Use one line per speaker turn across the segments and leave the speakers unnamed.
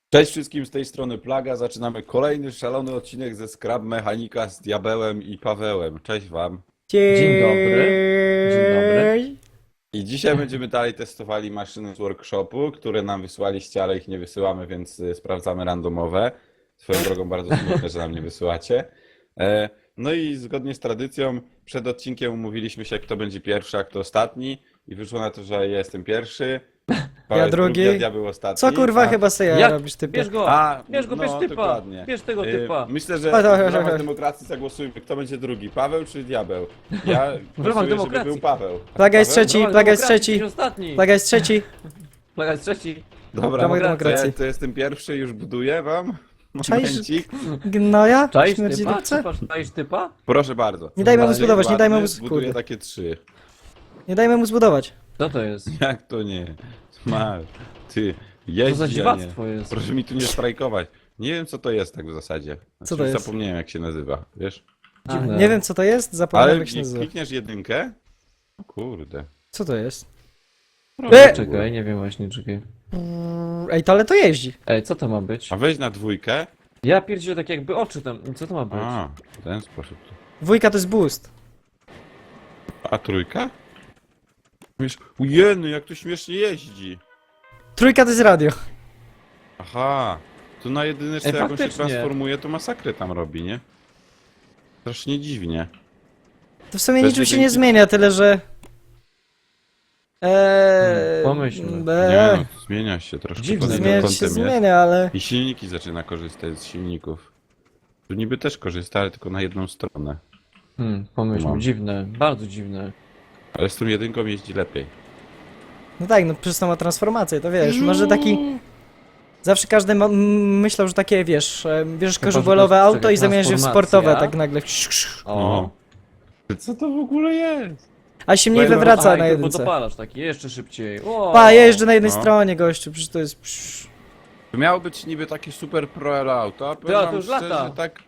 Cześć wszystkim, z tej strony Plaga. Zaczynamy kolejny szalony odcinek ze Scrap Mechanika z Diabełem i Pawełem. Cześć wam.
Dzień dobry. Dzień dobry.
I dzisiaj będziemy dalej testowali maszyny z workshopu, które nam wysłaliście, ale ich nie wysyłamy, więc sprawdzamy randomowe. Swoją drogą bardzo smutne, że nam nie wysyłacie. No i zgodnie z tradycją przed odcinkiem umówiliśmy się, kto będzie pierwszy, a kto ostatni. I wyszło na to, że ja jestem pierwszy. Paweł jest
drugi.
a Diabeł ostatni.
Co kurwa chyba sobie
Jak?
robisz ty?
Bierz go! Bierz go, bierz typa!
dokładnie.
Bierz tego
Y,
typa!
Myślę, że
Chodź, chodź,
w
chodź,
ramach
chodź.
demokracji zagłosujmy, kto będzie drugi, Paweł czy Diabeł? Ja
W ramach
głosuję, żeby
demokracji.
był Paweł. A
Plaga jest
Paweł?
trzeci.
Dawaj,
Plaga jest
demokracji,
trzeci.
jesteś ostatni!
Plaga jest trzeci.
Plaga jest trzeci!
Dobra,
w ramach
to
demokracji.
ja to jestem pierwszy, już buduję wam.
Czaisz?
Momencik.
Gnoja?
Czaisz
Śmierci
typa?
dupce?
Czaisz typa?
Proszę bardzo.
Nie dajmy mu
Ładny,
zbudować, nie dajmy mu...
Ładny, buduję
Kurde.
takie 3.
Nie dajmy mu zbudować.
Co to jest?
Jak to nie? Masz. Ty,
Co
jeździ,
za
a nie.
dziwactwo jest?
Proszę mi tu nie strajkować. Nie wiem, co to jest tak w zasadzie.
Co to jest?
Zapomniałem, jak się nazywa, wiesz?
Dziwne.
Nie wiem co to jest, zapomniałem
Ale
jak się
jak
nazywa.
klikniesz jedynkę... O kurde.
Co to jest?
Czekaj, nie wiem właśnie, czekaj.
Ej, to ale to jeździ.
Ej, co to ma być?
A weź na dwójkę.
Ja pierdzielę tak jakby oczy tam. Co to ma być?
A, w ten sposób.
Dwójka to jest boost.
A trójka? Ujeny, jak to śmiesznie jeździ.
Trójka to jest radio.
Aha, tu na jedyneczce
Ej,
jak on się
faktycznie.
transformuje, to masakrę tam robi, nie? Strasznie dziwnie.
To w sumie
Bez
niczym się
jedynki?
nie zmienia, tyle że...
Pomyślmy.
Nie no, zmienia się troszkę
Dziwne.
pod jednym
Zmieniać
kątem
się
jest.
zmienia, ale...
I silniki zaczyna korzystać z silników. Tu niby też korzysta, ale tylko na jedną stronę.
Pomyślmy,
No.
dziwne, bardzo dziwne.
Ale z tą jedynką jeździ lepiej.
No tak, no przez to ma transformację, to wiesz, może taki... Zawsze każdy myślał, że takie, wiesz, bierzesz korzywolowe
czekaj,
auto i zamieniasz je w
transformacja.
sportowe, tak nagle.
O,
Co to w ogóle jest?
A się mniej
Fajne.
wywraca
Aha,
na
i
jedynce.
dopalasz taki, jeszcze szybciej. O.
Pa, jeżdżę na jednej
No.
stronie, gościu, przecież to jest...
To miało być niby takie super pro auto, a powiem
ale to
wam
już
szczerze,
lata.
tak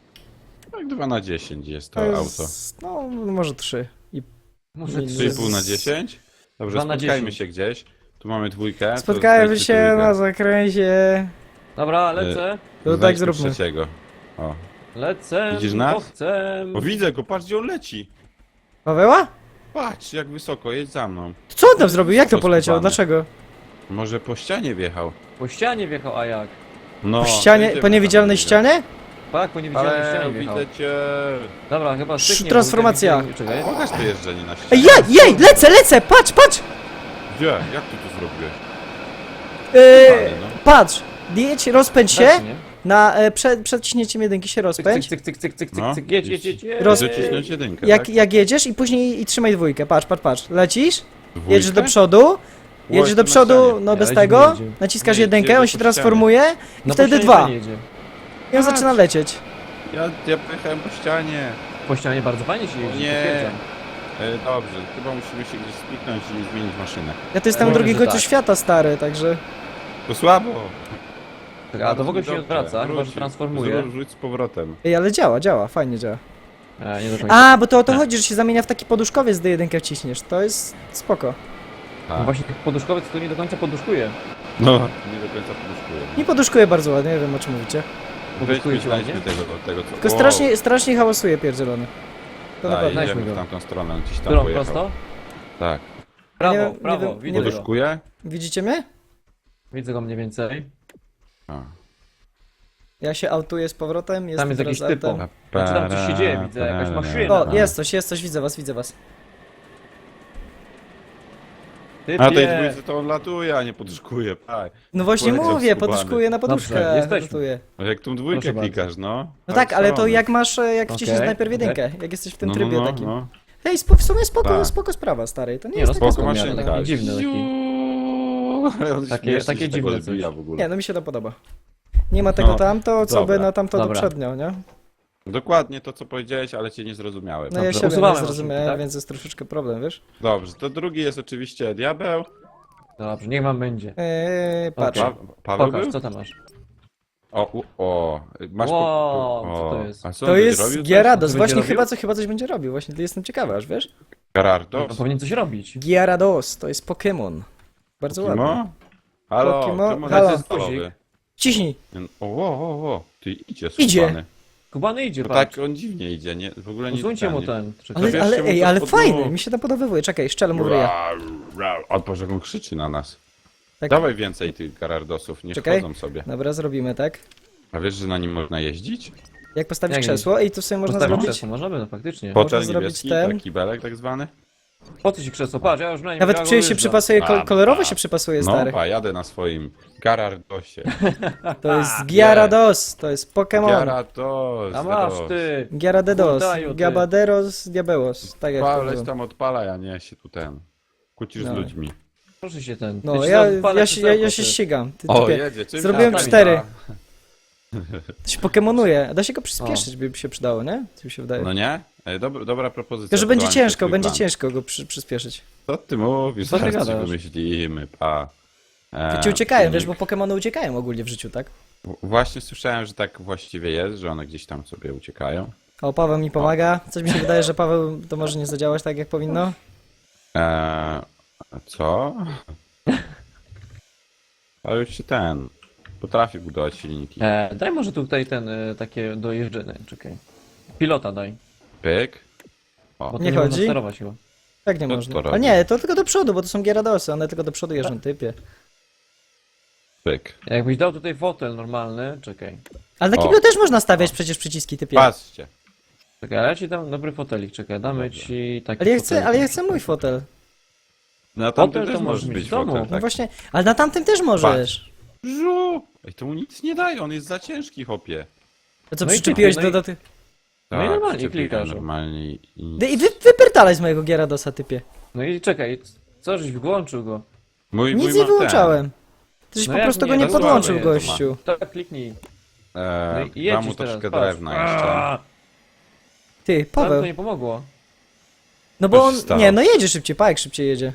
2 na 10 jest to
To
auto.
jest, no, może 3.
Muszę
Nie,
3,5 na 10? Dobrze,
2 na
spotkajmy
10.
się gdzieś. Tu mamy dwójkę. to
Spotkajmy
wejdźcie
się
trójkę.
na zakręcie.
Dobra, lecę.
To tak
Znajdźmy
zróbmy.
trzeciego. O.
Lecę.
Widzisz nas?
bo chcę.
O, widzę go, patrz gdzie on leci.
Paweła?
Patrz jak wysoko, jedź za mną.
Co on tam zrobił? Jak to poleciał?
Rozkopane.
Dlaczego?
Może po ścianie wjechał.
Po ścianie wjechał, a jak?
No,
Po ścianie,
jedziemy
po niewidzialnej
tam,
ścianie?
Tak, po niewidzialnej
Ale
ścianie wjechał.
widzę cię.
Dobra, chyba styknie.
Transformacja.
bo czekaj.
Pokaż to jeżdżenie na ścianie.
Ej, jej, lecę, patrz!
Gdzie? Jak ty to zrobiłeś?
Yy,
no.
patrz, jedź, rozpędź się,
Tak, nie?
przed ciśnięciem jedynki się
Cyk,
rozpędź.
cyk, cyk, cyk, cyk, cyk,
No.
cyk, jedź, jedź, jedź, jedź.
Roz-
Zacisnąć jedynkę,
Jak,
tak?
jak jedziesz i później i trzymaj dwójkę, patrz, lecisz,
Dwójkę?
jedziesz do przodu, jedziesz
tu
do
na
przodu,
ścianie.
no bez
Ale
tego,
jedzie.
naciskasz
Nie,
jedynkę,
jedzie
on
po
się
ścianie.
transformuje i
No
wtedy
po ścianie
dwa.
fajnie jedzie.
I on zaczyna lecieć.
Ja pojechałem po ścianie.
Po ścianie bardzo fajnie się jeździ,
Nie.
potwierdzam.
Dobrze, chyba musimy się gdzieś spiknąć i zmienić maszynę.
Ja to jestem na
Może,
drugim
że
końcu
tak.
świata, stary, także...
To słabo.
A to w ogóle się nie
Dobrze,
odwraca, chyba że
wróć.
transformuje.
Rzuć z powrotem.
Ej, ale działa, fajnie działa.
Nie do końca.
A, bo to o to chodzi, że się zamienia w taki poduszkowiec, gdy jedynkę wciśniesz, to jest spoko.
No właśnie tych poduszkowiec to nie do końca poduszkuje.
No, nie do końca poduszkuję.
Nie poduszkuje bardzo ładnie, nie wiem o czym mówicie.
Poduszkuje
Weźmy,
ci ładnie?
znajdźmy tego co...
Tylko strasznie hałasuje pierdzielony. To na
Tak,
pewno.
jedziemy
Znajdźmy
w
go.
tamtą stronę, gdzieś tam
Którą,
pojechał.
prosto?
Tak.
Prawo,
Nie
prawo,
wiem,
widzę go.
Poduszkuje?
Widzicie mnie?
Widzę go mniej więcej.
A.
Ja się autuję z powrotem, jestem
jest jakiś
teraz
typo.
autem.
Znaczy tam coś się dzieje, widzę, jakaś maszyna.
O, jest coś, widzę was.
Ty,
A tej dwójce to on latuje, a nie poduszkuje, tak.
No właśnie
Poleciał
mówię,
skubany.
poduskuję na poduszkę,
Dobrze, jesteśmy.
rotuję.
A jak tą dwójkę
Proszę
klikasz, no.
No tak, ale to
strony.
jak masz, jak
Okej,
wciśniesz najpierw
okej.
jedynkę, jak jesteś w tym
No,
trybie
no,
takim.
no.
Hej, w sumie
Tak.
spoko sprawa, stary, to nie
Nie,
jest
no
taka
Spoko
spoko,
zła
maszynka.
sprawa.
taki dziwny taki.
Ale on
Takie-
śmiesznie
takie
się
dziwne
tego
coś.
zbija w ogóle.
Nie, no mi się to podoba. Nie ma tego
No,
tamto, co by
dobra,
na tamto
dobra.
poprzednio, nie?
Dokładnie to, co powiedziałeś, ale cię nie zrozumiałem.
No ja
Dobrze,
siebie nie
usuwamy
zrozumiałem,
maszynki, tak?
więc jest troszeczkę problem, wiesz?
Dobrze, to drugi jest oczywiście diabeł.
Dobrze, niech wam będzie.
Patrz.
Okej.
Paweł
Pokaż,
był?
co tam masz.
Masz
Wow, co to jest?
A co
To
on będzie
jest
robił coś?
Gyarados,
Co
właśnie
będzie
chyba coś będzie robił, właśnie jestem ciekawy, aż wiesz?
Gerardo?
No powinien coś robić.
Gyarados, to jest Pokémon. Bardzo ładny.
Kimo? Halo,
Pokimo-
czemu
halo.
jesteś stalowy?
Ciśnij.
O, ty idzie,
Idzie.
skubany.
Kubany idzie,
No
patrz.
tak, on dziwnie idzie, nie, w ogóle nie
Usuńcie mu
nie-
ten. Czekaj.
Ale,
Zabierzcie mu to
ale
pod
fajny,
nóg.
mi się to podobywuje. Czekaj, szczelę mu w ryja.
O Boże, jak on krzyczy na nas.
Tak.
Dawaj więcej tych Garardosów, nie
Czekaj.
szkodzą sobie.
Dobra, zrobimy tak.
A wiesz, że na nim można jeździć?
Jak postawić
Jak
krzesło i tu sobie można
Postawić
zrobić...
krzesło, możemy, no faktycznie.
Hotel
zrobić
niebieski,
ten.
taki belek tak zwany?
Po co ci krzesło? Patrz, ja już na nim
Nawet
ja
czuję
go
się
jeżdżam.
przypasuje,
A,
kolorowo
a.
się przypasuje,
No,
stary.
jadę na swoim Garardosie.
To jest Gyarados, to jest Pokémon.
Gyarados,
A masz ty!
Gyaradedos,
Kurtaju, ty.
Gabaderos, Diabelos. Tak jak to
Paleś
było.
tam odpalaj, a nie się tu kłócisz z
No.
ludźmi.
Proszę się ten.
No,
ci
ja
odpalę
się
krzesełko, ty.
ścigam. Ty,
O,
typie.
jedzie, czym
Zrobiłem
tam
4.
da?
To się pokemonuje. Da się go przyspieszyć, by się przydało, nie? Co mi się wydaje.
No nie? Dobra propozycja.
Tylko, że będzie
Wyłączę
ciężko,
twój
będzie
plan.
ciężko go przyspieszyć.
Co ty mówisz?
Co ty
Zaraz ci
gadasz?
wymyślimy,
Ci uciekają, wiesz,
silnik.
bo Pokemony uciekają ogólnie w życiu, tak?
Właśnie słyszałem, że tak właściwie jest, że one gdzieś tam sobie uciekają.
O, Paweł mi pomaga. Coś mi się wydaje, że Paweł to może nie zadziałać tak, jak powinno.
Co? Ale już się potrafi budować silniki.
Daj może tutaj ten, takie dojeżdżenie, czekaj. Pilota daj.
Pyk.
Bo
Nie
nie można
chodzi?
sterować chyba.
Tak nie
To
można.
to
A
robi.
nie, to tylko do przodu, bo to są Gyaradosy, one tylko do przodu jeżdżą, typie.
Pyk.
Jakbyś dał tutaj fotel normalny, czekaj.
Ale na
O.
kiblu też można stawiać przecież przyciski, typie.
Patrzcie.
Czekaj, ale ja ci dam dobry fotelik, czekaj, damy
Dobra.
ci taki
Ale ja chcę mój fotel.
Na tamtym
Fotel
też
to
może
możesz mieć
być
w domu.
fotel,
No
tak?
właśnie, ale na tamtym też możesz.
Żu! Ej, to mu nic nie daje, on jest za ciężki, chopie.
To co,
No i
przyczepiłeś
kliknij,
do tych...
No i normalnie
przyczepiłem
klikasz.
Normalnie i...
I wypierdalaj z mojego Gyaradosa, typie.
No i czekaj, co żeś włączył go?
Mój
Nic
ma
nie wyłączałem. Ty żeś
No
po
jak
prostu
nie?
go nie
To
podłączył,
słabe jest,
gościu.
Tak, kliknij. No
Dam
i jedziesz
mu
teraz,
troszkę
patrz.
drewna jeszcze.
Ty,
Ale to
Paweł.
nie pomogło.
No bo
Co
on...
się stało?
Nie, no jedzie szybciej, Pajek szybciej jedzie.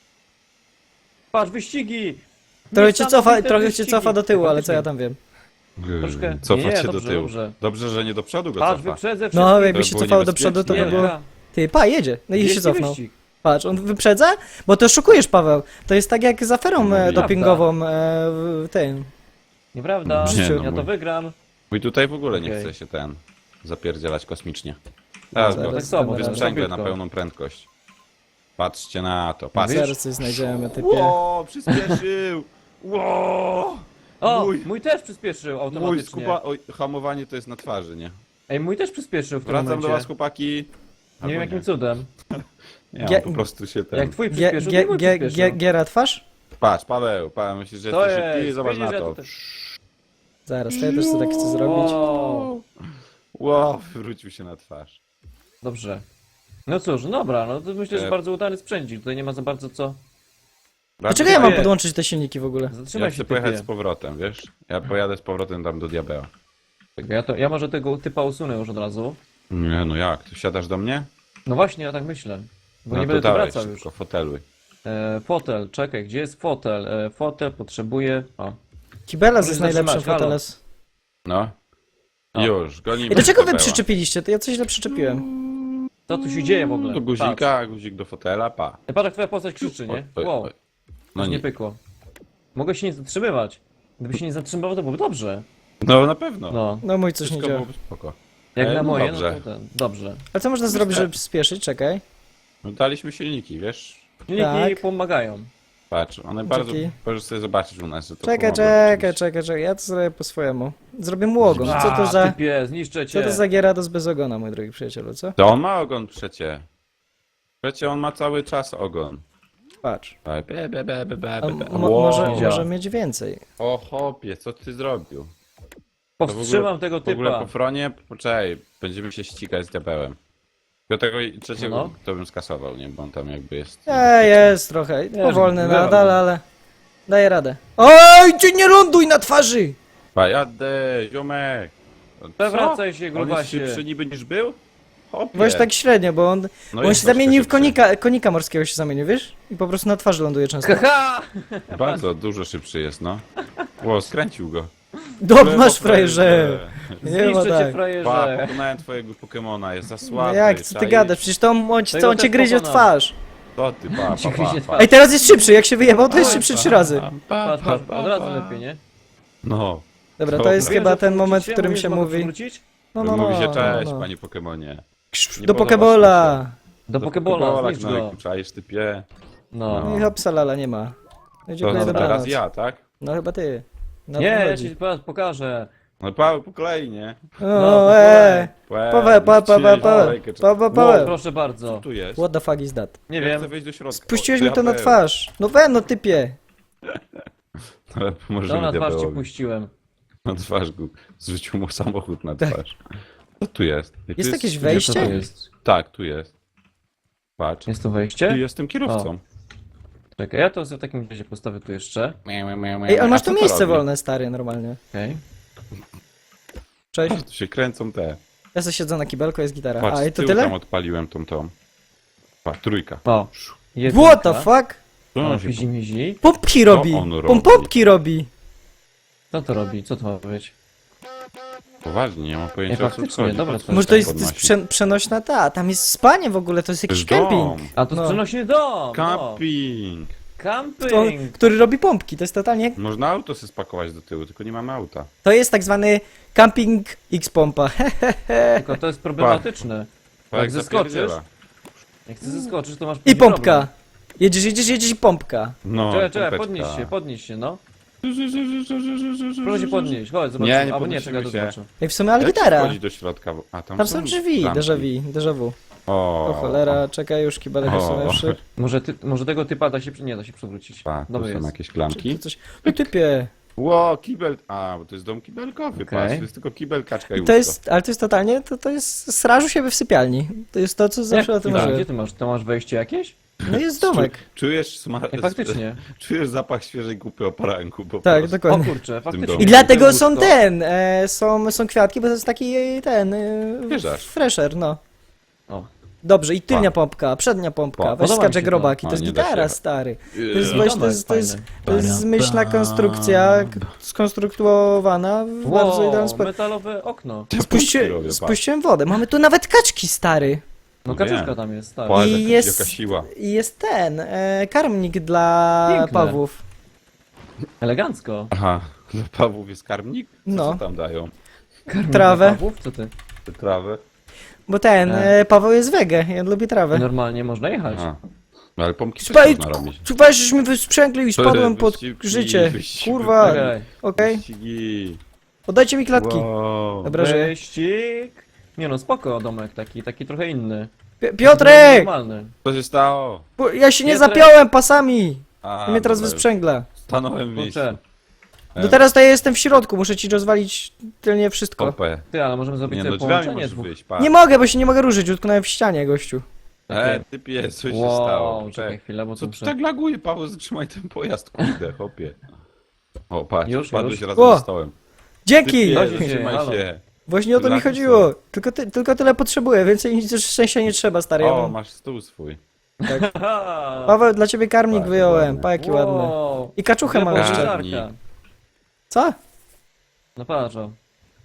Patrz, wyścigi!
Trochę cię
Niesamowite
cię
wyścigi.
cofa do tyłu, ale co ja
Faktycznie.
tam wiem.
Troszkę-
Cofać
nie,
się
dobrze,
do tyłu.
dobrze.
Dobrze, że nie do przodu go
Patrz,
cofa.
wyprzedzę wszystkich.
No, jakby
To
się
było
cofało do przodu, to by
niebezpieczne.
było... Ty, pa, jedzie. No i się
Wielki
cofnął.
wyścig.
Patrz, on wyprzedza? Bo to oszukujesz, Paweł. To jest tak jak z aferą
No,
dopingową w tym.
Nieprawda,
W życiu.
ja to wygram.
Mój tutaj w ogóle nie
Okej.
chce się zapierdzielać kosmicznie. Teraz
Zaraz
go
tak samo,
zaraz.
wysprzęgle na
szybko.
pełną prędkość. Patrzcie na to, patrzcie.
Zaraz coś znajdziemy, typie.
Ło, przyspieszył! Ło!
O,
Mój-
mój też przyspieszył
Mój
automatycznie.
Oj, hamowanie to jest na twarzy, nie?
Ej, mój też przyspieszył w tym
Wracam do
momencie.
was, chłopaki.
Nie
Albo
wiem jakim cudem.
Nie,
Gie-
on po prostu się
Jak twój
Gie-
przyspieszył, to
gie-
mój
gie-
przyspieszył.
Giera twarz?
Patrz, Paweł, myślisz, że
To
jesteś szybki?
jest,
Zobacz na
widzisz,
to.
że to-
Zaraz, to ja też sobie tak chcę zrobić.
O,
Ło, wywrócił się na twarz.
dobrze. No cóż, dobra, no to myślę, że
E.
bardzo udany sprzędzik. Tutaj nie ma za bardzo co.
Dlaczego ja mam
nie.
podłączyć te silniki w ogóle?
Ja
Zatrzymaj
chcę
się,
pojechać
typie.
z powrotem, wiesz? Ja pojadę z powrotem tam do diabeła.
Ja może tego typa usunę już od razu.
Nie, no jak? Ty wsiadasz do mnie?
No właśnie, ja tak myślę. Bo
No
nie
to
będę tu
dawaj,
wracał już.
szybko, foteluj.
Fotel, czekaj, gdzie jest fotel? Fotel potrzebuje... O.
Kibelas
Możesz
jest najlepszym
zatrzymać, halo.
foteles.
No.
O.
Już, gonimy
I do czego wy
diabeła.
przyczepiliście? To ja coś źle przyczepiłem.
Co tu się dzieje w ogóle?
Do guzika, guzik do fotela, pa.
Patrz, patrz jak twoja postać krzyczy, nie?
Oj,
Wow,
oj.
no
No
nie
nie.
pykło. Mogę się nie zatrzymywać. Gdyby się nie zatrzymywał, to byłoby dobrze.
No na pewno.
No,
No mój coś nie
Wszystko
działa.
byłoby spoko.
jak
no
na moje,
dobrze.
no to ten, dobrze.
Ale co można zrobić, żeby przyspieszyć? Czekaj.
No daliśmy silniki, wiesz?
Silniki
Tak.
pomagają.
Patrz, one bardzo...
Dzięki.
Możesz sobie zobaczyć u nas, że to
Czekaj,
pomogło
czekaj,
rzeczywiście.
czekaj. Ja to zrobię po swojemu. Zrobię mu ogon. Co to za...
Typie, zniszczę
Co
cię.
to za Gyarados bez ogona, mój drogi przyjacielu, co?
To on ma ogon przecie. Przecie on ma cały czas ogon.
Patrz. A
Wow.
może mieć więcej.
O chopie, co ty zrobił?
Powstrzymam tego
W ogóle
typa.
po fronie, poczekaj, będziemy się ścigać z diabełem. Do tego trzeciego
No.
to bym skasował, nie? Bo on tam jakby jest...
Jest trochę. Powolny
wywam
nadal,
go.
ale... Daję radę. Oj, ty nie ląduj na twarzy!
Pa, jadę, ziomek! Co?
Przewracaj się,
On jest
grubasie.
szybszy niby niż był? Hopie.
Właśnie tak średnio, bo on
No
się
jest
zamienił w
troszkę
konika morskiego się zamienił, wiesz? I po prostu na twarzy ląduje często.
Haha!
szybszy. Bardzo dużo szybszy jest, no. Ło, skręcił go.
Masz frajerze! Nie ma
Zniszczę cię,
tak.
Pa,
frajerze.
pokonałem twojego Pokemona, jest za
No
słaby.
jak, co ty
czaisz?
gadasz? Przecież to on
Tego
cię
też
gryzie w
pokonam.
twarz.
Co ty, pa,
Ci
pa,
gryzie
pa,
twarz.
pa.
Ej, teraz jest szybszy, jak się wyjebał, to jest szybszy 3 razy.
Patrz, od razu lepiej, nie?
No,
Dobra, to
Dobra.
jest
Mówię,
chyba
że
ten moment, w
przywrócicie?
którym
Mówię,
się
że mogę
mówi.
przywrócić?
Mówi się cześć,
no.
panie Pokemonie.
Krz,
Nie
do
podoba
Pokebola!
Do Pokebola, znicz go.
Czaisz typie.
No.
No i hopsa lala, nie ma. No i
To
dziękuję,
co,
dobranoc.
teraz ja, tak?
No chyba ty. No,
Nie,
to
ja
chodzi.
ci pokażę.
No Paweł, po kolei, nie?
O,
No,
Paweł, Paweł.
Proszę bardzo.
Co tu jest?
What the fuck is that?
Nie
Ja
wiem.
chcę wejść do środka.
Spuściłeś
O,
mi to na
diabeł.
twarz. No typie.
Ale
To
pomożemy
na twarz ci
diabełowi.
puściłem.
Na twarz go. Zrzucił mu samochód na
Tak.
twarz. Co tu jest? Ej, tu
Jest jakieś
Co
wejście?
to jest?
Tak, tu jest. Patrz.
Jest to
Tu
wejście?
jestem kierowcą.
Czekaj, ja to w takim razie postawię tu jeszcze.
Ej, ale masz
A
tu
co to
miejsce
robi?
wolne, stary, normalnie.
Okej.
Cześć.
Tu się kręcą te.
Ja sobie siedzę na kibelku, jest gitara.
Patrz,
A,
z
i to
tyłu tam
tyle?
odpaliłem tą. Patrz, trójka.
O.
What the fuck?
Co
O,
on się...
mizi, mizi.
Pompki robi!
on robi?
Pompki robi!
Co to robi? Co to ma być?
Poważnie, nie mam pojęcia
Nie,
o co
faktycznie,
chodzi.
dobra,
Po co
to
Może to
tak
jest
podnosi?
przenośna ta, tam jest spanie w ogóle, to jest
To
jakiś
jest
camping.
dom.
A to
No.
jest przenośny dom!
Camping.
No.
To,
Camping!
który robi pompki, to jest totalnie...
Można auto sobie spakować do tyłu, tylko nie mamy auta.
To jest tak zwany camping X-pompa.
Tylko to jest problematyczne.
Pa,
Jak zeskoczysz,
zapierdziela.
jak chcesz zeskoczyć, to masz
I
później
pompka.
problem.
Jedziesz i pompka.
No,
Czekaj,
pompeczka.
podnieś się, no. Proszę się podnieść, chodź, zobacz.
Nie, nie
Albo nie, czekaj,
podnosimy
to
się.
zobaczę.
Ej, w sumie, ale
Jak się
gitara.
wchodzi do środka? A
Tam są drzwi,
klamki.
déjà vu.
O,
O cholera, czekaj, już kibelek
O.
usunąwszy.
Może tego typa nie da się przewrócić.
Pa, tu
Dobry
są
jest.
jakieś klamki.
Coś... No typie.
Ło, kibel. A, bo to jest dom kibelkowy,
Okej.
patrz, to jest tylko kibel, kaczka i
I to
łóżko.
jest, ale to jest totalnie, to jest straż u siebie w sypialni. To jest to, co zawsze o tym
Gdzie
marzyłem.
ty masz? To masz wejście jakieś?
No jest domek.
Czujesz smak...
Ej, faktycznie.
Czujesz zapach świeżej kupy oparanku po
Tak,
prostu.
O
dokładnie.
kurczę, faktycznie.
domu.
I dlatego
Łóżko.
są są kwiatki, bo to jest taki
Wieżarz.
fresher, no.
O.
Dobrze, i tylnia pompka, przednia pompka,
Pa.
weź
Podoba mi
skacze
się to.
grobaki, to
A,
jest
nie da
gitara,
się.
stary. To
Yy,
jest,
Domek
to jest
fajny.
zmyślna konstrukcja, skonstruowana w bardzo idealny
Wow,
sposób.
metalowe okno.
robię, pa.
Spuściłem wodę, mamy tu nawet kaczki, stary.
No
No
kaczuszka
wiem.
tam jest, tak.
Patrz,
I
jaka-
jest-
jaka siła.
I jest karmnik dla
Piękne.
pawłów.
Elegancko.
Aha, dla Pawłów jest karmnik? Co,
No.
co tam dają?
Karmik
Trawę.
dla Pawłów? Co ty?
Te trawy?
Bo Paweł jest wege i on lubi trawę.
Normalnie można jechać.
Aha. No ale pompki też
Spaj,
można robić.
weź, żeśmy wysprzęgli i spadłem pod
Wyścigi,
życie.
wyścigi.
Kurwa,
Czekaj.
okej.
Wyścigi.
Oddajcie mi klatki.
Wow.
Dobra, że...
Wyścig. Nie no, spoko domek taki trochę inny.
Piotrek!
Normalny.
Co się stało?
Bo ja się nie
Piotrek!
zapiąłem pasami!
A,
I mnie teraz
dobra,
wysprzęgla.
stanąłem w miejscu.
Kurczę.
No teraz to ja jestem w środku, muszę ci rozwalić tylnie wszystko.
Kopę.
Ty, ale możemy zrobić
Nie
sobie
no, drzwiami
połączenie
możesz
dwóch.
wyjść, pa.
Nie mogę, bo się nie mogę ruszyć, utknąłem w ścianie, gościu.
Ty pies, co się
Wow,
stało?
czekaj chwilę, bo
Co
tu
tu
muszę...
tak laguje, Paweł? Zatrzymaj ten pojazd, kurde, chopie. O, patrz,
Już,
padłeś
już.
razem
O!
ze stołem.
Dzięki!
Ty
Chodź
pies,
się,
zatrzymaj
halo.
się.
Właśnie o to mi
Lagi
chodziło.
są.
Tylko tyle potrzebuję, więcej nic już szczęścia nie trzeba, stary. Ja
O,
mam...
masz stół swój.
Paweł, dla ciebie karmnik
Bardzo
wyjąłem,
ładny.
pa jaki ładny.
Wow.
I kaczuchę mam
Wielka
jeszcze.
Karmnik.
żarka.
Co?
No patrz, o.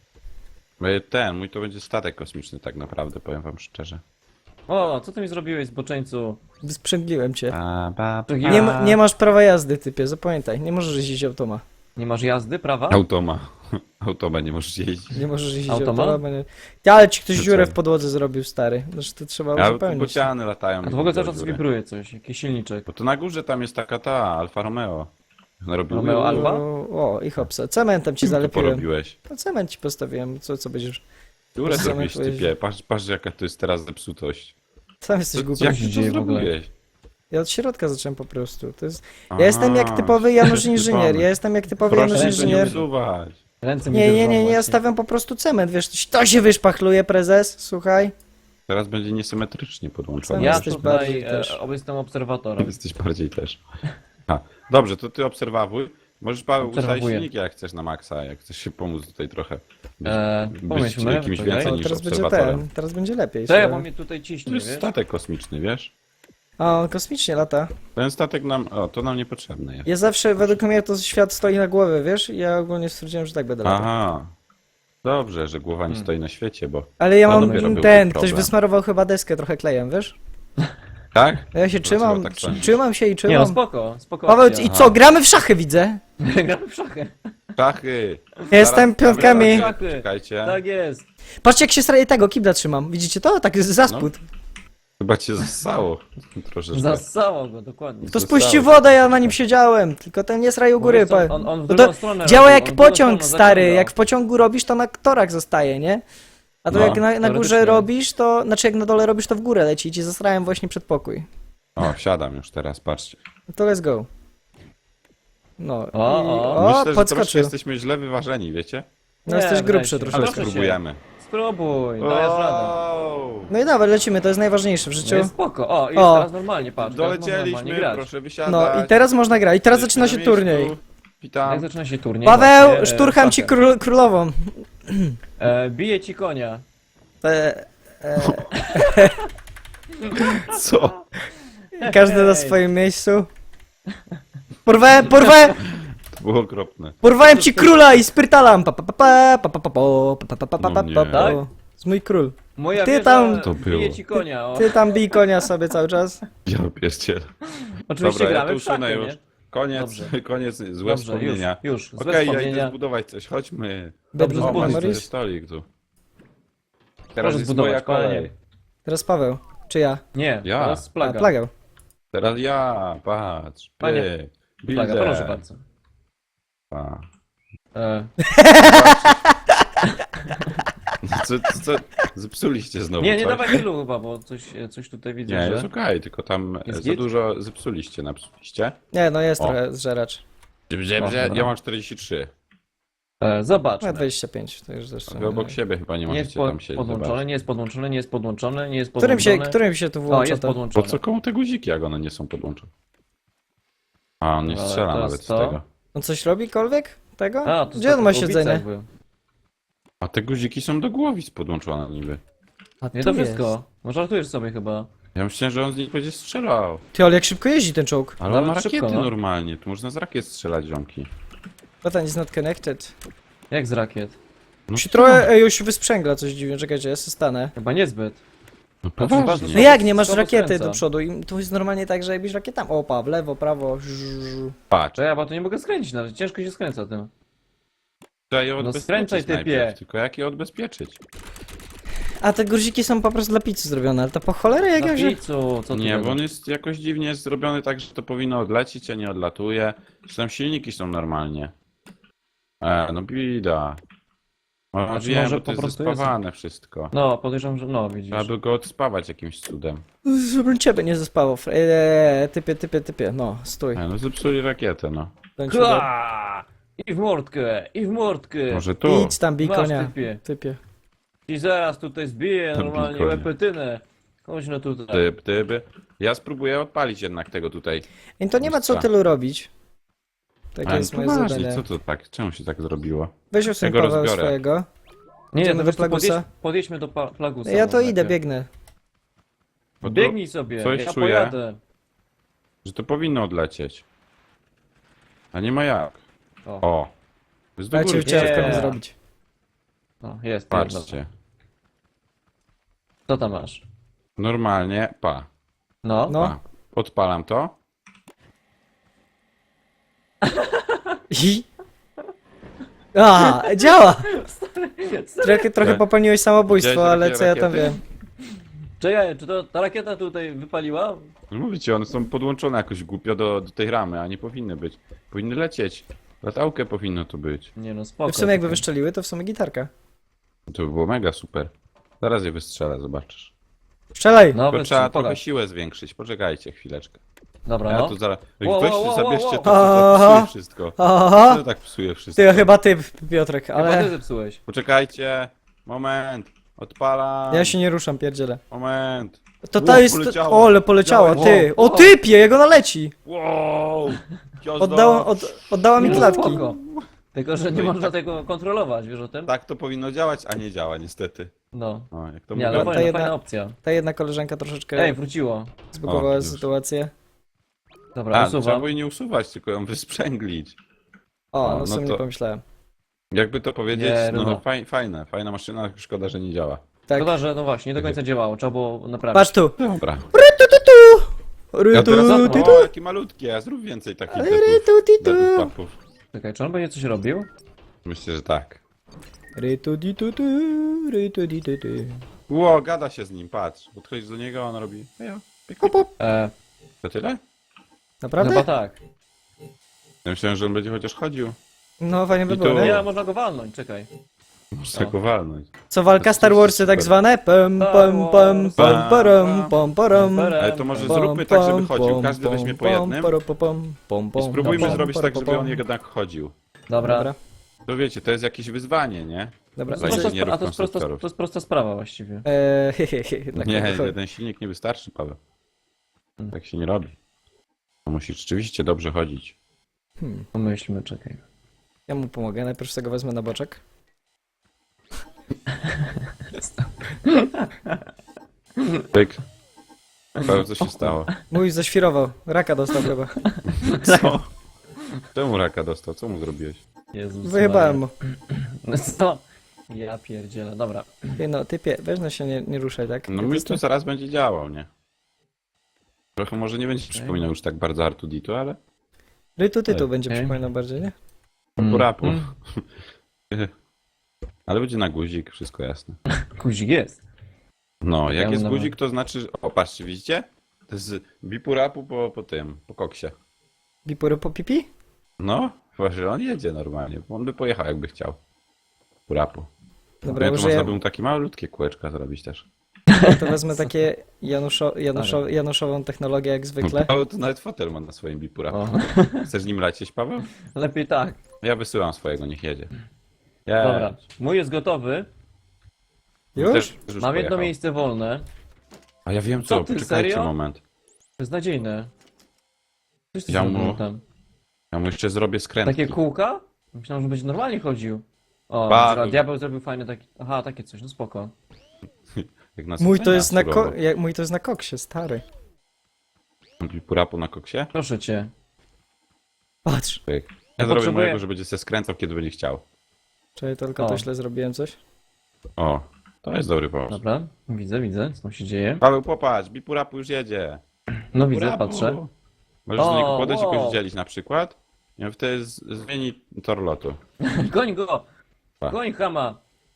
Mój to będzie statek kosmiczny tak naprawdę, powiem wam szczerze.
O, co ty mi zrobiłeś, zboczeńcu?
Sprzęgliłem cię.
To
Nie masz prawa jazdy, typie, zapamiętaj. Nie możesz jeździć automa.
Nie masz jazdy, prawa?
Automa. Automa nie możesz jeździć.
Nie możesz jeździć
Automa?
automa. Bo nie... Ja, ale ci ktoś
To
dziurę
co?
w podłodze zrobił, stary. Znaczy to trzeba
A tu
uzupełnić.
bociany latają.
A to
mi
w ogóle
do
cały czas
dziury.
wibruje coś, jakiś silniczek.
Bo to na górze tam jest taka ta, Alfa Romeo. Ona robi
Romeo Alfa?
O, i hopsa. Cementem ci
Czym to
zalepiłem.
porobiłeś?
No, cement ci postawiłem. Co będziesz...
Dziurę
Co
zrobiłeś,
miałeś
typie. Patrz jaka to jest teraz zepsutość.
Sam jesteś głupi.
Jak
się
ty
dzieje
to
w ogóle?
zrobiłeś?
Ja od środka zacząłem po prostu. To jest...
Aha,
Ja jestem jak typowy Janusz Inżynier.
pomysł.
Ja jestem jak typowy
Proszę
Janusz
się nie
Inżynier.
usuwać.
Ręce mi
Nie,
drżą
ja
właśnie.
stawiam po prostu cement, wiesz, to się wyszpachluje, prezes, słuchaj.
Teraz będzie niesymetrycznie podłączony.
Ja
Jesteś
tutaj
bardziej też.
jestem obserwatorem.
Jesteś bardziej też. A, dobrze, to ty obserwuj. Możesz Paweł ustawić
Obserwuję.
silniki jak chcesz na maksa, jak chcesz się pomóc tutaj trochę. Być
pomyślmy,
jakimś
czekaj.
więcej
O,
niż
teraz będzie
obserwatorem.
teraz będzie lepiej.
To ja
słuchaj.
bo mnie tutaj
To
ciśnie,
jest
wiesz?
statek kosmiczny, wiesz?
A, on kosmicznie lata.
Ten statek to nam niepotrzebny jest.
Ja zawsze, według mnie to świat stoi na głowie, wiesz? I ja ogólnie stwierdziłem, że tak będę latał.
Aha. Dobrze, że głowa nie stoi na świecie, bo
Ale ja
To
mam
dopiero byłby
ktoś
problem.
wysmarował chyba deskę trochę klejem, wiesz?
Tak?
Ja się trzymam,
tak sądzisz?
trzymam się i
Nie no,
trzymam.
spoko
Paweł,
akcja.
i co, gramy w szachy, widzę.
Gramy w szachy.
Szachy!
Jestem
Zaraz
piątkami.
gramy w szachy. Czekajcie.
Tak jest.
Patrzcie, jak się straje tego kibla trzymam. Widzicie to? Tak za spód.
Chyba cię zassało troszeczkę.
Zasało go, dokładnie.
To spuścił wodę, ja na nim siedziałem. Tylko ten nie sraj u góry.
Mówię, co, on w
No
drugą
to
stronę
działa
robił,
jak
on w drugą
pociąg,
stronę
stary.
zaciągał.
Jak w pociągu robisz, to na torach zostaje, nie? A to
No,
jak na górze
teoretycznie.
robisz, to... Znaczy jak na dole robisz, to w górę leci i ci zastrałem właśnie przed pokój.
O, wsiadam już teraz, patrzcie.
No to let's go. No
O,
i...
o.
O,
Myślę, że troszkę
podskoczył.
jesteśmy źle wyważeni, wiecie?
No jesteś
Nie,
grubszy
weź się.
Ale
troszeczkę.
Proszę
spróbujemy.
Spróbuj, dajesz radę.
Wow!
No i dobra, lecimy, to jest najważniejsze w
No
życiu.
jest spoko. O, i
O.
teraz normalnie, patrz. teraz można normalnie
Dolecieliśmy,
grać.
proszę wysiadać.
No i teraz można grać. I teraz zaczyna się
Jesteśmy na
turniej.
miejscu. Witam.
Jak zaczyna się turniej?
Paweł,
właśnie,
szturcham ci
szachy.
królową.
Bije ci konia.
E,
Co?
każdy na
Hej.
swoim miejscu. Porwałem
To było okropne.
porwałem ci króla i spyrtalam. Pa, pa, pa, pa, pa, pa, pa, pa, pa, pa, pa, pa,
No
pa,
nie.
pa.
Tak?
Z mój król.
Moja
Ty
wieża
tam-
To było.
bije ci konia. O.
Ty tam bij konia sobie cały czas.
Ja pierdzielę.
Oczywiście
Dobra, ja to
gramy w szachy,
usunę
nie?
już. Koniec,
Dobrze.
koniec, złe
Dobrze,
wspomnienia.
już. Złe
Okej, ja idę
wspomnienia.
zbudować coś, chodźmy.
Dobrze,
Dobrze,
O, masz
zbuduj.
tutaj stolik tu. Teraz
Proszę
jest
zbudować,
moja kolej.
panie.
Teraz Paweł. Czy ja?
Nie,
Ja.
teraz
A,
plaga.
plagał.
Teraz ja, patrz.
Panie,
Pyk,
Plaga,
builder.
proszę bardzo.
Pa.
E,
Co, zepsuliście znowu
nie, nie
coś?
dawaj tylu chyba, bo coś tutaj widzę,
Nie,
że...
jest okej, tylko tam
Jest
za
git?
dużo zepsuliście, napsuliście.
Nie, no jest
O.
trochę zżeracz.
dobra.
Ja mam 43.
Zobacz.
No 25, to już zresztą.
Wy obok siebie chyba nie
Nie jest
możecie tam siedzieć.
podłączone,
zobaczyć.
nie jest podłączone, nie jest podłączone, nie jest
Którym się,
podłączone.
którym się tu
O,
włącza
jest
to?
Po
podłączone.
co komu te guziki, jak one nie są podłączone? A, on nie
Ale
strzela
teraz
nawet z
to.
tego.
On coś robikolwiek tego?
A, to
Gdzie on ma
w Głowicach
siedzenie?
był.
A te guziki są do głowic podłączone niby.
A
Nie,
tu
to
jest.
wszystko. No żartujesz sobie chyba.
Ja myślałem, że on z nich będzie strzelał.
Ty, ale jak szybko jeździ ten czołg.
Ale on ma
Nawet szybko,
rakiety
no.
normalnie, tu można z rakiet strzelać, ziomki.
Button is not connected.
Jak z rakiet?
No
Się trochę już wysprzęgla coś dziwnie, czekajcie, ja się stanę.
Chyba niezbyt.
No
Znaczy,
No
poważnie.
jak, nie masz
Słabo
rakiety
skręca.
do przodu i to jest normalnie tak, że jakbyś rakietami... Opa, w lewo, prawo,
Patrz,
To ja bo to nie mogę skręcić nawet, ciężko się skręca tym.
trzeba je odbezpieczyć
skręcaj, typie.
najpierw, tylko jak je odbezpieczyć?
A te guziki są po prostu dla pizzy zrobione, ale to po cholerę jak
Na
ja że...
pizzu, co ty
Nie, bo
gadasz?
on jest jakoś dziwnie zrobiony tak, że to powinno odlecieć, a nie odlatuje. Zresztą silniki są normalnie. No bida. No
Znaczy,
wiem,
może
bo to
po
jest
prostu jest.
zespawane wszystko.
No, podejrzewam, że no, widzisz.
Trzeba by go odspawać jakimś cudem.
Żebym ciebie nie zespało. Typie, no, stój.
No zepsuli rakietę, no.
Bądź ode-
Kła! I w mordkę, i w mordkę.
Może tu?
Idź tam, bij
Masz,
konia.
typie.
Typie.
I zaraz tutaj zbiję
Tam
normalnie
konia.
łepetynę. Chodź no tutaj.
Tyby. Ja spróbuję odpalić jednak tego tutaj.
I to nie ma co
Mistrza.
tylu robić. Takie
Ale
jest moje
poważnie,
zadanie.
co to tak? Czemu się tak zrobiło?
Weź usuń
Ja go
Paweł
rozbiorę.
swojego.
Nie,
Idziemy
no
do
wiesz co,
Plagusa?
podjedźmy do Plagusa.
Ja to
no,
idę,
najpierw.
biegnę.
Bo to,
Biegnij sobie,
coś
ja
czuję.
pojadę.
że to powinno odlecieć. A nie ma jak.
O,
O. Jest do
Ja cię
góry.
ucieczkę mam
Nie.
zrobić.
no jest,
Patrzcie.
Co tam masz?
Normalnie, pa.
No,
No.
Pa. Odpalam to.
I... A, działa! Trochę
Tak.
popełniłeś samobójstwo,
Widziałeś
ale
takie
co ja tam
rakiety?
wiem.
Czekaj, czy to ta rakieta tutaj wypaliła?
No mówię ci, one są podłączone jakoś głupio do tej ramy, a nie powinny być. Powinny lecieć. Latałkę powinno tu być.
Nie no, spoko.
W sumie jakby
czekaj.
wyszczeliły, to w sumie gitarka.
To by było mega super. Zaraz je wystrzelę, zobaczysz.
Strzelaj!
No,
Tylko trzeba trochę
pokaż.
siłę zwiększyć. Poczekajcie chwileczkę.
Dobra,
Ja
no.
tu zaraz...
Wow,
Weźcie,
wow, wow,
zabierzcie
wow.
to, co
Aha.
psuje wszystko.
Aha!
Co tak psuje wszystko?
Ty, chyba ty, Piotrek,
Chyba ty
ale...
zepsułeś.
Poczekajcie. Moment. Odpalam.
Ja się nie ruszam, pierdzielę.
Moment.
To jest...
poleciało.
O, ale poleciała,
Wow,
ty! O
wow.
typie, jego naleci!
Wow!
Oddała mi
No,
klatki.
spoko. Tylko, że nie
No i
można
tak.
tego kontrolować, wiesz o tym?
Tak to powinno działać, a nie działa niestety.
No.
O, jak to
Nie, ale
mówią.
ta
fajna,
jedna-
fajna opcja.
Ta jedna koleżanka troszeczkę
Ej, wróciło.
zbugowała
O, już.
sytuację.
Dobra,
A, trzeba
usuwam.
było jej nie usuwać, tylko ją wysprzęglić.
O,
O,
no
no
w sumie
to-
nie pomyślałem.
Jakby to powiedzieć,
Nie,
no
no.
fajna maszyna, szkoda, że nie działa.
Tak.
Szkoda, że no właśnie, nie do końca działało, trzeba było naprawić.
Patrz tu!
Dobra. Ja teraz...
Ry-tu-ti-tu.
O, jaki malutki, a zrób więcej takich
Ry-tu-ti-tu.
papów.
Czekaj, czy on będzie coś robił?
Myślę, że tak.
Ry-tu-ti-tu-tu, ry-tu-ti-tu-tu.
Ło, gada się z nim, patrz. Podchodzisz do niego, a on robi... Ejo, pyk,
Hop,
pyk.
hop.
To tyle?
Naprawdę?
Chyba tak.
Ja myślałem, że on będzie chociaż chodził.
No, fajnie by
I
było,
tu-
nie?
Nie, można go walnąć, czekaj.
Muszę go walnąć.
Co walka Star Warsy tak zwane? Pam, pam, pam, pam, param, pam, param.
Ale to może zróbmy tak, żeby chodził. Każdy weźmie po jednym. I spróbujmy zrobić tak, żeby on jednak chodził.
Dobra.
Dobra,
To wiecie, to jest jakieś wyzwanie, nie?
dobra.
Dla
Prosta
inżynierów,
a to jest,
konstruktorów.
to jest prosta sprawa właściwie.
Dla
Nie,
kogo?
jeden silnik nie wystarczy, Paweł. Tak się nie robi. To musi rzeczywiście dobrze chodzić.
Pomyślmy, czekaj.
Ja mu pomogę, najpierw sobie go wezmę na boczek.
Pyk. Paweł, co się stało?
Mój zaświrował, raka dostał chyba.
Co? Czemu raka dostał? Co mu zrobiłeś?
Jezus
Wyjebałem mu.
Maria. Co? Ja pierdzielę, dobra.
Ty no, typie, weź no się nie ruszaj, tak?
No mi to zaraz będzie działał, nie? Trochę może nie będzie przypominał już tak bardzo Artuditu, ale...
Rytu-tytu będzie
Okej.
przypominał bardziej, nie?
Purapu.
Mm.
Ale będzie na guzik, wszystko jasne.
Guzik jest.
No, jak
Ja
jest
mam-
guzik, to znaczy... O, patrzcie, widzicie? To jest bipurapu po koksie.
Bipory po pipi?
No, właśnie on jedzie normalnie. On by pojechał, jakby chciał. Purapu.
Dobra,
Ja tu
użyję,
można by mu takie malutkie kółeczka zrobić też.
to wezmę takie Januszową technologię jak zwykle.
Paweł to nawet fotel ma na swoim bipurapu.
O.
Chcesz nim lecieć, Paweł?
Lepiej tak.
Ja wysyłam swojego, niech jedzie.
Dobra. Mój jest gotowy.
Już?
Też już
Mam jedno
pojechał.
miejsce wolne.
A ja wiem
Co
co,
ty,
poczekajcie
serio?
moment.
Beznadziejne. Coś ty
Ja
zrobił
mu-
tam.
Ja mu jeszcze zrobię skrętki.
Takie kółka? Myślałem, że będzie normalnie chodził. O,
Bardzo.
dobra, diabeł zrobił fajne takie... Aha, takie coś, no spoko.
Jak na
Mój to
sadzenia
jest na
surowo.
mój to jest na koksie, stary.
Bipurapu na koksie?
Proszę cię.
Patrz.
Pyk. Ja
Ja
zrobię
potrzebuję-
mojego, że będzie się skręcał, kiedy będzie chciał.
Czekaj, to tylko to
O.
źle zrobiłem coś.
O, to jest dobry pomysł.
Dobra, widzę, co tam się dzieje.
Paweł, popatrz, bipurapu już jedzie.
No widzę,
Bipurapu.
patrzę.
Możesz do niego
O,
podejść i
wow.
jakoś dzielić na przykład. I on wtedy zmieni tor lotu.
Goń go!
Pa.
Goń chama!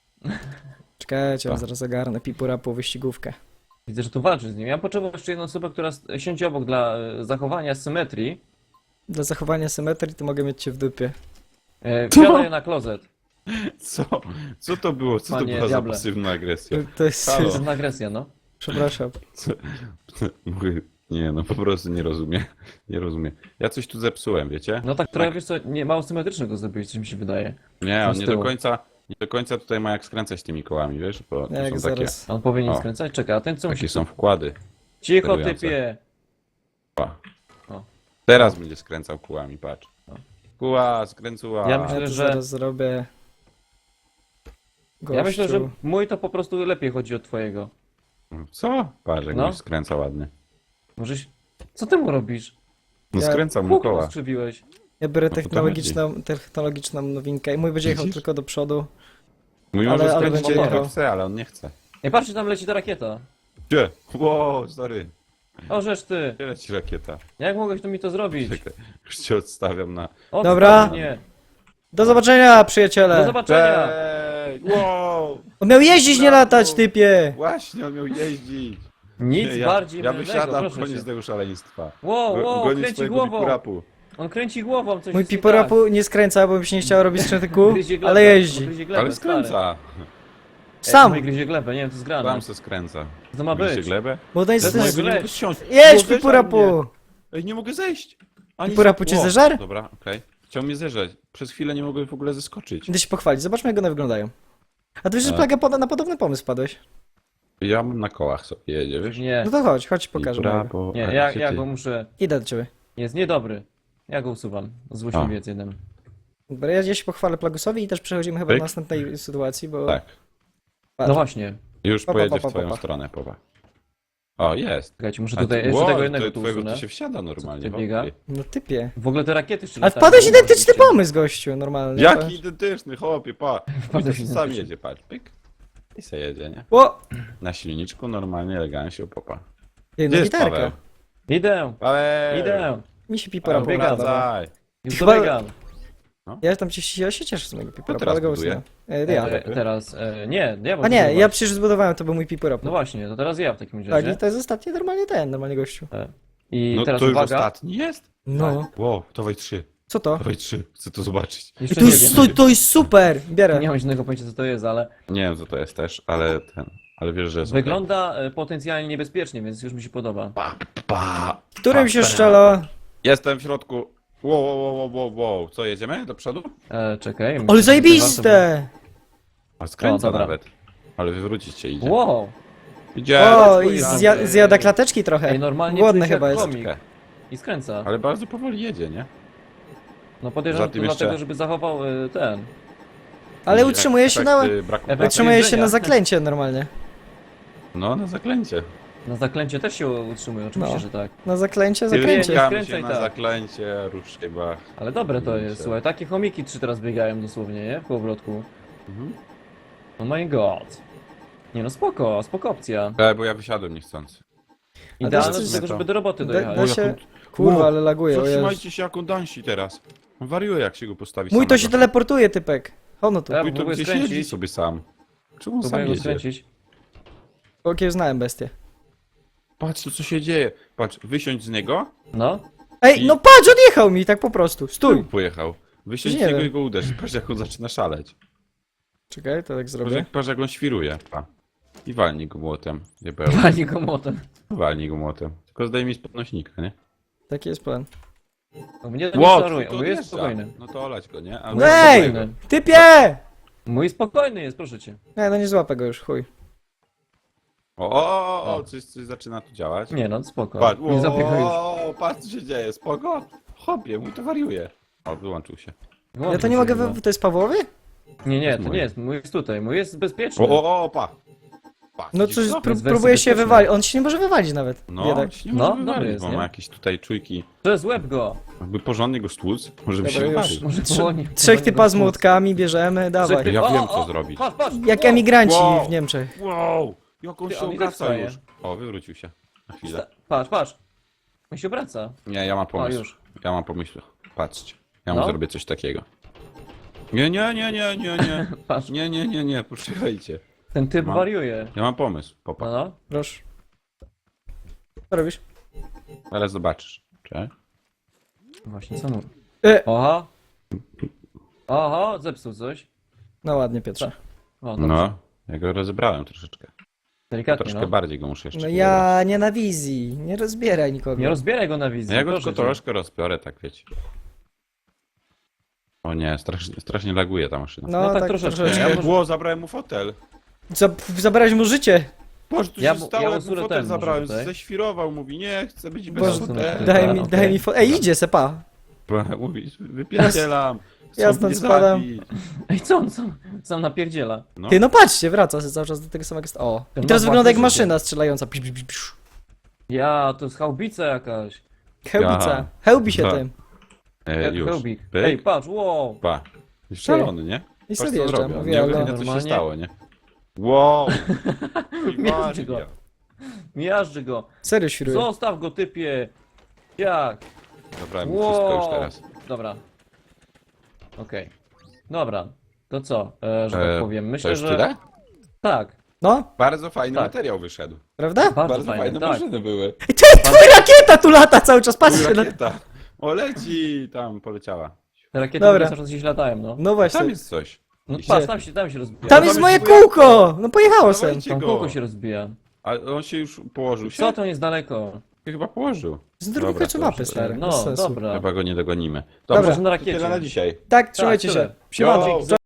Czekajcie,
Co?
zaraz ogarnę pipurapu wyścigówkę.
Widzę, że tu walczysz z nim. Ja potrzebuję jeszcze jedną osobę, która siądzie obok dla zachowania symetrii.
Dla zachowania symetrii to mogę mieć cię w dupie.
Wsiadaj na klozet.
Co? Co to było? Co to
Panie
była za
diable.
pasywna agresja?
To jest...
Halo.
To jest agresja, no.
Przepraszam.
Mówię, nie, no po prostu nie rozumiem. Nie rozumiem. Ja coś tu zepsułem, wiecie?
No tak trochę, wiesz co, nie, mało symetrycznego zrobiłeś, coś mi się wydaje.
Nie, on
z
nie
tyłu.
do końca tutaj ma jak skręcać tymi kołami, wiesz? Bo to
Jak
są takie,
zaraz.
A on powinien
O.
skręcać? Czekaj, a ten co musi...
takie są wkłady.
Cicho,
sterujące.
typie!
Pa.
O.
Teraz będzie skręcał kółami, patrz. Kuła, skręcuła.
Ja myślę,
Ja to
że-
zaraz zrobię...
Ja myślę, że
Gościu.
mój to po prostu lepiej chodzi od twojego.
Co? Patrz, jak
No.
no. skręca ładnie.
Możeś... Co ty mu robisz?
No
Ja-
skręcał mu
Kółko
koła.
skrzywiłeś.
Ja biorę
No to
technologiczną nowinkę i mój będzie jechał
Widzisz?
tylko do przodu.
Mój
Ale-
może
ale
skręcić
będzie
jak
jechał.
chce, ale on nie chce.
Nie patrzcie, tam leci ta rakieta.
Gdzie? Wow, sorry.
O, żeż ty!
Gdzie leci rakieta?
Jak mogłeś tu mi to zrobić?
Czekaj, już cię odstawiam na...
O,
Dobra.
Nie.
Do zobaczenia, przyjaciele!
Do zobaczenia!
Cześć! Wow!
On miał jeździć, nie latać, typie!
Właśnie, on miał jeździć.
Nic
Nie,
bardziej
ja
mylnego,
wysiadam,
proszę
koniec
cię.
tego szaleństwa.
Wow,
Gonić
kręci
swojego
głową.
bipurapu.
On kręci głową, coś
Mój
jest nie
piporapu nie skręca, bo mi się nie chciało robić skręty
tak.
kół,
Gryzie glebę,
ale jeździ.
on gryzie glebę,
Ale
stary.
skręca.
Sam!
Ej, gryzie glebę, nie wiem, co jest grane.
Tam se skręca.
Co to ma
Gryzie
być?
glebę?
Bo to jest...
jest
Ej,
mojego
nie
leć.
mogę zsiąść.
Jedź,
Uderzaj
pipurapu!
mnie. Ej, nie mogę zejść. Ani
Pipurapu cię
O,
zeżar?
Dobra, okej. Chciał mnie zeżać. Przez chwilę nie mogłem w ogóle zeskoczyć.
Idę się pochwalić, zobaczmy jak one wyglądają. A ty wiesz, że Plaga na podobny pomysł padłeś.
Ja mam na kołach sobie jedzie, wiesz?
Nie,
No to chodź pokażę.
Bipurapu,
nie,
a
ja,
gdzie
ja
ty?
go muszę...
Idę do ciebie.
Jest niedobry. Ja go usuwam. Z
A.
uśmiewiec jeden.
Dobra, ja się pochwalę Plagusowi i też przechodzimy chyba
Pyk.
do następnej sytuacji, bo...
Tak.
Patrz.
No właśnie.
Już
Pa, pa,
pojedzie
pa, pa,
w twoją
pa.
stronę, powa. O, jest.
Czekajcie, muszę
A
tutaj
ty-
jeszcze
wow,
tego jednego tu
twojego
usunę.
tu się wsiada normalnie.
Co ty biega?
hopie.
No typie.
W ogóle te rakiety jeszcze
Ale
latają.
wpadłeś identyczny
Oczywiście.
pomysł, gościu, normalnie.
Jaki identyczny, chłopie, pa.
Wpadłeś
I to sam
identyczny.
jedzie, patrz, pyk. I se jedzie, nie?
O!
Na silniczku normalnie, elegancie, popa.
Jedna
Gdzie jest
gitarka.
Paweł?
Idę,
Ale...
idę.
Mi się pipora
biegam.
podoba.
Wracaj.
Już
Chyba-
dobiegam.
Ja tam się cieszę z mojego pipora.
teraz
polegał
buduje?
na- Ja.
Teraz, nie, ja
A nie, ja przecież zbudowałem, to był mój pipora.
No właśnie, to teraz ja w takim
Tak,
razie.
i to jest ostatni normalnie gościu.
I
No
teraz
to już
uwaga.
ostatni jest?
No,
Wow, dawaj 3.
co to?
Dawaj 3. Chcę to zobaczyć.
Jeszcze
To
nie
jest,
wiem.
to jest super! Bierę.
Nie mam żadnego pojęcia co to jest, ale
Nie wiem co to jest też, ale ale wiesz, że jest
wygląda potencjalnie niebezpiecznie, więc już mi się podoba.
Pa.
Którym się szczela?
Jestem w środku. Wow. Co, jedziemy do przodu?
Czekaj. myślę,
Ale
że
zajebiste!
A skręca
O, dobra.
nawet. Ale wywrócić się idzie.
Wow!
Idzie.
O,
Ej,
i
ej,
zjada klateczki trochę.
Ej, normalnie
Głodny
czujesz jak
chyba jest.
komik. I skręca.
Ale bardzo powoli jedzie, nie?
No podejrzewam,
Za
to
tym
dlatego,
jeszcze-
żeby zachował ten.
Ale utrzymuje się na...
Braku
Efekt-
Utrzymuje się
jedzenia.
na zaklęcie normalnie.
No, na zaklęcie.
Na zaklęcie też się utrzymuje, oczywiście,
No.
że tak.
Na zaklęcie,
Biegam.
zaklęcie.
Biegam
Skręcaj
się
tak.
na zaklęcie, rusz chyba.
Ale dobre to
Widzicie.
jest, słuchaj, takie chomiki 3 teraz biegają dosłownie, nie? W kołowrotku.
Mhm.
Oh my god. Nie no, spoko opcja.
Bo ja wysiadłem niechcący.
Idealne
to
do
jest-
tego, żeby do roboty
Da
dojechać.
się... Kurwa,
Wow,
ale laguje, o Jezu.
Zatrzymajcie się, jak on dansi teraz. On wariuje, jak się go postawi
Mój to się
samego.
teleportuje, typek. Ono tu.
Ja
Mój to
próbuję
gdzieś
skręcić.
jeździ sobie sam. Czemu on sam
Próbuję go
jedzie?
skręcić.
Okie znałem bestię.
Patrz, co się dzieje. Patrz, wysiądź z niego.
No.
Ej, no patrz, odjechał mi tak po prostu. Stój.
Pojechał. Wysiądź z
Nie
niego
wiem.
i go uderz. Patrz, jak on zaczyna szaleć.
Czekaj, to tak
Patrz,
zrobię.
jak on świruje. Pa. I walnij go młotem. Diabeł.
Wali go motem.
Walnij go młotem. Tylko zdejmij z podnośnika, nie?
Taki jest plan.
No, mnie to
Wow,
nie czaruje,
to
mój jest
odjeżdża.
spokojny.
No to olać go, nie? A
No ej!
spokojny.
Typie!
Mój spokojny jest, proszę cię.
Nie, no nie złapę go już, chuj.
O, coś zaczyna tu działać.
Nie no, spoko.
Patrz,
Nie zapiechaj już.
patrz co się dzieje, spoko. Hopie, mój to wariuje. O, wyłączył się.
Ja to
Włączył
nie
się
mogę,
chyba.
to jest Pawłowy?
Nie, to
mój.
nie jest, mój jest tutaj, mój jest bezpieczny.
Pa. Pa,
No
widzisz
coś,
to?
Jest
próbuje się
bezpieczny.
wywalić, on się nie może wywalić nawet,
No,
biedak.
się nie
No,
może
dobry
wywalić,
jest,
bo
nie?
ma jakieś tutaj czujki.
Przez łeb go.
Jakby porządnie go stłuc, może by
Dobra,
się
już.
wywalił.
Może
Trzy-
powoli.
Trzech typa z młotkami bierzemy, dawaj.
Ja
O,
wiem,
o,
co
o,
zrobić.
Patrz.
Jak emigranci
Wow.
w Niemczech.
Wow, jak on
Ty,
się
on i tak
obraca
wstaje.
już. O, wywrócił się. Na chwilę.
Patrz. On się obraca.
Nie, ja mam pomysł.
już.
Ja mam pomysł. Patrzcie. Ja mu
No.
zrobię coś takiego. Nie.
Patrz.
Nie, poczekajcie.
Ten typ
Mam.
wariuje.
Ja mam pomysł. Popatrz.
No.
Proszę. Co robisz?
Zaraz zobaczysz. Cześć.
Właśnie, co mu?
E.
Oho, zepsuł coś.
No ładnie, Piotrze.
O, dobrze.
No, ja go rozebrałem troszeczkę.
Delikatnie,
Troszkę
no.
bardziej go muszę jeszcze
No
wybrać.
ja nie na wizji, nie rozbieraj nikogo.
Nie rozbieraj go na wizji,
No ja go
proszę
tylko
cię.
troszkę rozbiorę, tak wiecie. O nie, strasznie laguje ta maszyna.
No,
No tak
tak
troszeczkę.
troszeczkę.
Ja może-
Ło, zabrałem mu fotel.
Zabrałeś mu życie.
Boże, tu
Ja
się
mu-
stało,
ja
jak mu
usunę
fotel
ten może
zabrałem.
tutaj.
Ześwirował, mówi, nie, chcę być bez
Boże,
fotela.
daj mi,
okej.
daj mi Ej, idzie sepa.
Mówi, wypierdzielam. Chcą
Ja stąd
mnie
spadam.
zabić.
Ej, co on sam napierdziela?
No.
Ty, no patrzcie, wraca się cały czas do tego samego... O. I
Ten
teraz
ma
wygląda jak
własne życie.
maszyna strzelająca. Pisz, pisz, pisz, pisz.
Ja, to jest chałbica jakaś.
Hełbica.
Aha.
Hełbi się
Tak.
tym.
Już.
Hełbik.
Pyk.
Ej, patrz, wow.
Pa. Jest szalony, nie?
I
Patrz,
sobie
co
jeżdżam,
zrobił.
mówię,
Nie
ale...
wiem, co się
Normalnie.
stało, nie? Wow.
Miażdży go. Miażdży go.
Serio świruje.
Zostaw go, typie. Jak?
Zabrałem mu wszystko już teraz.
Dobra. Okej. Dobra. To co, że tak powiem?
To
Myślę,
już
że...
tyle?
Tak.
No,
Bardzo fajny
Tak.
materiał wyszedł.
prawda?
Bardzo, fajne, tak.
maszyny były.
Ej, ty, twój rakieta tu lata cały czas, patrzcie na...
Rakieta. O, leci! Tam poleciała.
Te rakiety
Dobra.
cały czas gdzieś latają, no.
No właśnie.
Tam jest coś.
No
Gdzie?
patrz, tam się rozbija.
Tam
No
jest
tam
moje
jest moje
kółko! No pojechało sem.
Dawajcie
Tam
go.
kółko się rozbija.
A on się już położył się?
Co to jest daleko?
Się chyba położył.
Z drugiej
Dobra,
końcu
to
mapy,
już-
stary.
No,
Bez sensu.
dobra.
Chyba go nie dogonimy.
Dobra.
Dobrze,
Może na
to
rakiecie.
tyle na dzisiaj.
Tak, trzymajcie
tyle.
się. Siemano.
Yo.